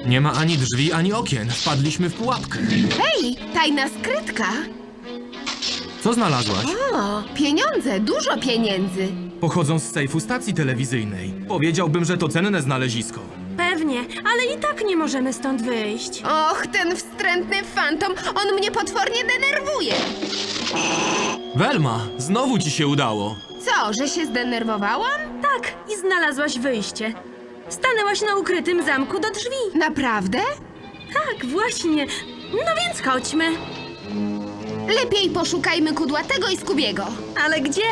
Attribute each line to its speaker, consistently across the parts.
Speaker 1: Nie ma ani drzwi, ani okien. Wpadliśmy w pułapkę.
Speaker 2: Hej, tajna skrytka.
Speaker 1: Co znalazłaś?
Speaker 2: O, pieniądze, dużo pieniędzy.
Speaker 1: Pochodzą z sejfu stacji telewizyjnej. Powiedziałbym, że to cenne znalezisko.
Speaker 3: Pewnie, ale i tak nie możemy stąd wyjść.
Speaker 2: Och, ten wstrętny fantom, on mnie potwornie denerwuje.
Speaker 1: Welma, znowu ci się udało.
Speaker 2: Co, że się zdenerwowałam?
Speaker 3: Tak, i znalazłaś wyjście. Stanęłaś na ukrytym zamku do drzwi.
Speaker 2: Naprawdę?
Speaker 3: Tak, właśnie. No więc chodźmy.
Speaker 2: Lepiej poszukajmy Kudłatego i Skubiego.
Speaker 3: Ale gdzie?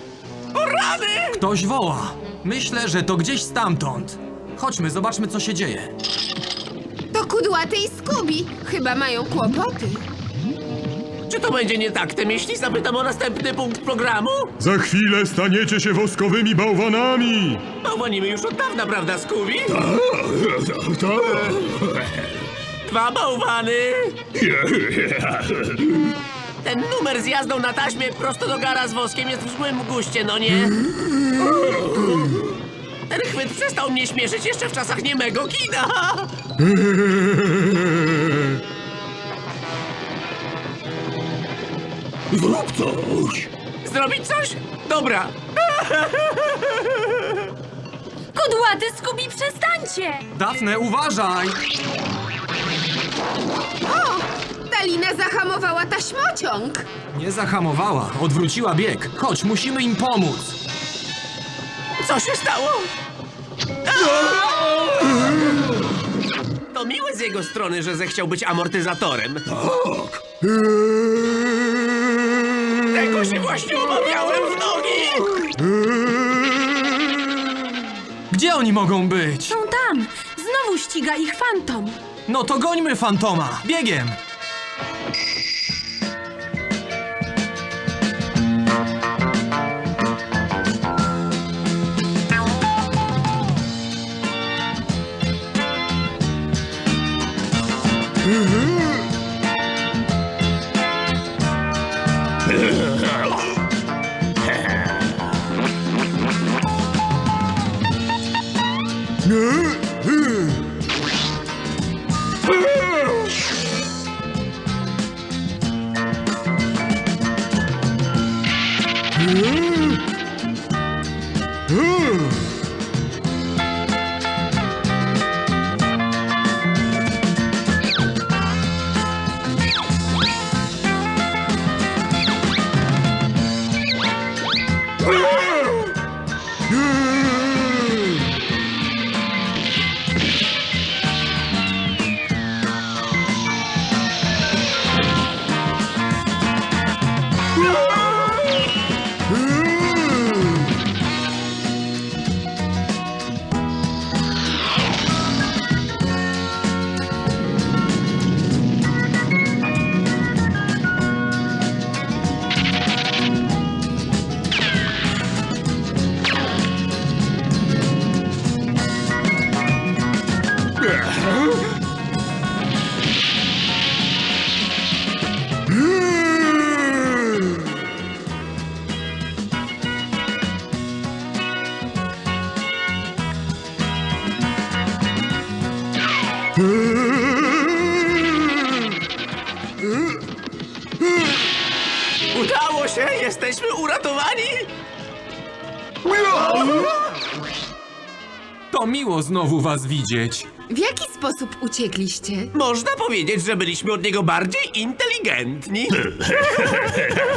Speaker 1: Ktoś woła. Myślę, że to gdzieś stamtąd. Chodźmy, zobaczmy, co się dzieje.
Speaker 2: To Kudłaty i Skubi. Chyba mają kłopoty.
Speaker 4: Czy to będzie nietaktem, jeśli zapytam o następny punkt programu?
Speaker 5: Za chwilę staniecie się woskowymi bałwanami!
Speaker 4: Bałwanimy już od dawna, prawda, Scooby? Dwa bałwany! Ten numer z jazdą na taśmie prosto do gara z woskiem jest w złym guście, no nie? Ten chwyt przestał mnie śmieszyć jeszcze w czasach niemego kina!
Speaker 5: Zrób coś!
Speaker 4: Zrobić coś? Dobra!
Speaker 3: Kudłaty, Skubi, przestańcie!
Speaker 1: Dafne, uważaj!
Speaker 2: O, Dalina zahamowała taśmociąg.
Speaker 1: Nie zahamowała, odwróciła bieg. Chodź, musimy im pomóc.
Speaker 4: Co się stało? To miłe z jego strony, że zechciał być amortyzatorem.
Speaker 5: Tak!
Speaker 4: Tego się właśnie obawiałem w nogi!
Speaker 1: Gdzie oni mogą być?
Speaker 3: Są tam! Znowu ściga ich fantom.
Speaker 1: No to gońmy fantoma! Biegiem!
Speaker 4: Udało się! Jesteśmy uratowani!
Speaker 1: To miło znowu was widzieć.
Speaker 2: W jaki sposób uciekliście?
Speaker 4: Można powiedzieć, że byliśmy od niego bardziej inteligentni.